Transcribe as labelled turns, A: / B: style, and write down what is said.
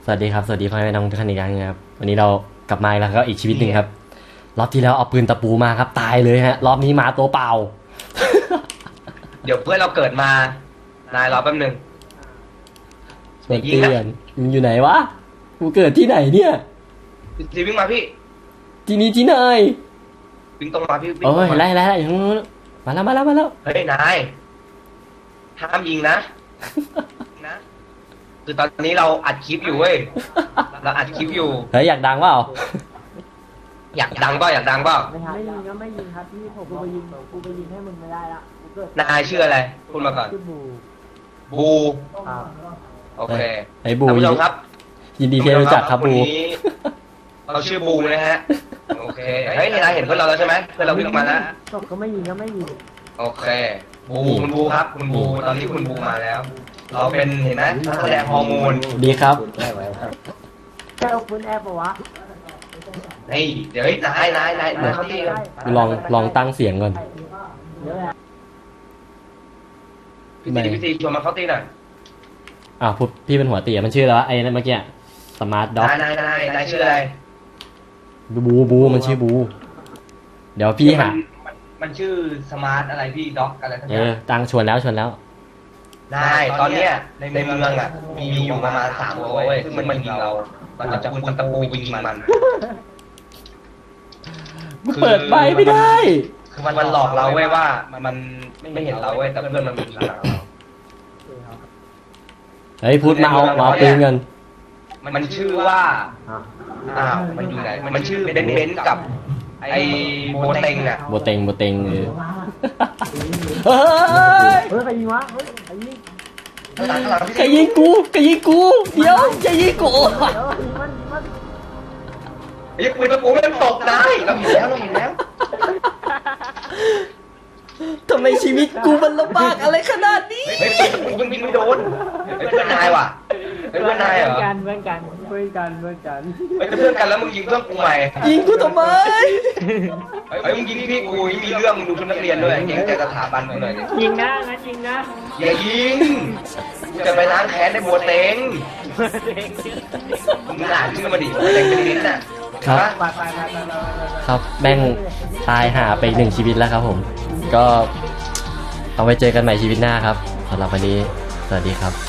A: วัสดีครับสวัสดีพ่อแม่น้องทุกท่านอีกครั้งนะครับวันนี้เรากลับมาแล้วก็อีกชีวิตหนึ่งครับรอบที่แล้วเอาปืนตะปูมาครับตายเลยฮะรอบนี้มาตัวเปล่า
B: เดี๋ยวเพื่อนเราเกิดมานายรอแป๊บนึง
A: เตือนมึงอยู่ไหนวะกูเกิดที่ไหนเนี่ย
B: รีวิ่งมาพี่
A: ที่นี่ที่ไหน
B: วิ่งตรงมาพี่วิ่ง
A: โอ้
B: ตร
A: ย
B: งมา
A: ไล่อย่างนู้นมาแล้ว
B: เฮ้ยนายห้ามยิงนะคือตอนนี้เราอัดคลิปอยู่เว้ยเราอัดคลิปอยู่
A: เฮ้ยอยากดังเปล่า
B: อยากดังเปล่าอยากดังเปล่า
C: ไม่ยิงก็ไม่ยิงครับพี่ผมกูไปยิงให้มึงไม่ได้ละกูเกิด
B: นายชื่ออะไรพูดมาก่อน
C: ชื่อบู
B: บู
C: ครับ
B: โอเค
A: ไอ้บู
B: ท่านผู้ชมครับ
A: ยินดีที่ได้รู้จักครับบู
B: วันนี้เราชื่อบูนะฮะโอเคเฮ้ยนายเห็นเพื่อนเราแล้วใช่ไหมเพื่อนเราวิ่งออกมาแล้ว
C: ตกก็ไม่ยิงก็ไม่ยิง
B: โอเคบูคุณบูครับคุณบูตอนนี้คุณบูมาแล้ว เราเป็นเห็นไหมนักแสดงฮอร์โมน
A: ดีครับ
C: แค่เอาปืนแอบปะวะ
B: นี่เดี๋ยวนายเขาที่กัน
A: ลองตั้งเสียงก่อน
C: เดี๋ยวแหละ
B: พี่ตีชวนมาเข้าตีหน่อย
A: อ้าวพี่เป็นหัวเตี๋ยมันชื่ออะไรวะไอ้นั่นเมื่อกี้สมาร์ทด็อก
B: นายชื่ออะไร
A: บูมันชื่อบูเดี๋ยวพี่หา
B: มันชื่อสมาร์ทอะไรพี่ด็อกอะไรทั้ง
A: เอ
B: นั้
A: อน ตั้งชวนแล้ว
B: นายตอนเนี้ยในเมืองอ่ะมีอยู่ประมาณ3 ตัวเว้ยซึ่งมันยิงเราจะคุณตะปูยิงมัน
A: เปิดไมค์ไม่ได้
B: คือมันหลอกเราเว้ยว่ามันไม่เห็นเราเว้ยแต่เพื่อนมันยิงเรา
A: เฮ้ยพูดมาเอาปืนกัน
B: มันชื่อว่ามันอยู่ไหนมันชื่อเบนซ์กับไอ้โบเต็งอ่ะ
A: โบเต็งเฮ้ย
C: เฮ้ยใครยิงวะเฮ้ยใครยิง
A: ใครยิงกูเดี๋ยวจะยิงกู
C: เดี๋ยวยิงมัน
B: ไอ้ปืนตะปูมันตกได้เราเห็นแล้ว
A: ทำไมชีวิตกูมันลำบากอะไรขนาดนี้
B: เฮ้ยปืนยิงไม่โดนเพื่อนนายว่ะเพื่อนนายเหรอ
C: เพื่อนกัน
B: เพื่อนกันแล้วมึงยิงเพื่อนกูใหม่
A: ยิงกูทำไม
B: เฮ้ยมึงยิงพี่กูมีเรื่องมึงดูชุดนักเรียนด้วยเก่งใจสถาบันกูหน่อยดิ
C: ยิงนะงั้นยิงนะ
B: อย่ายิงกูจะไปล้างแค้นในบัวเต็งมึงอ่านชื่อมาดิบัวเต็งเป็นลิ้นน่ะ
A: ครับ
C: ไป
A: ครับแม่งตายหาไป1 ชีวิตแล้วครับผม ก็เอาไว้เจอกันใหม่ชีวิตหน้าครับสำหรับวันนี้สวัสดีครับ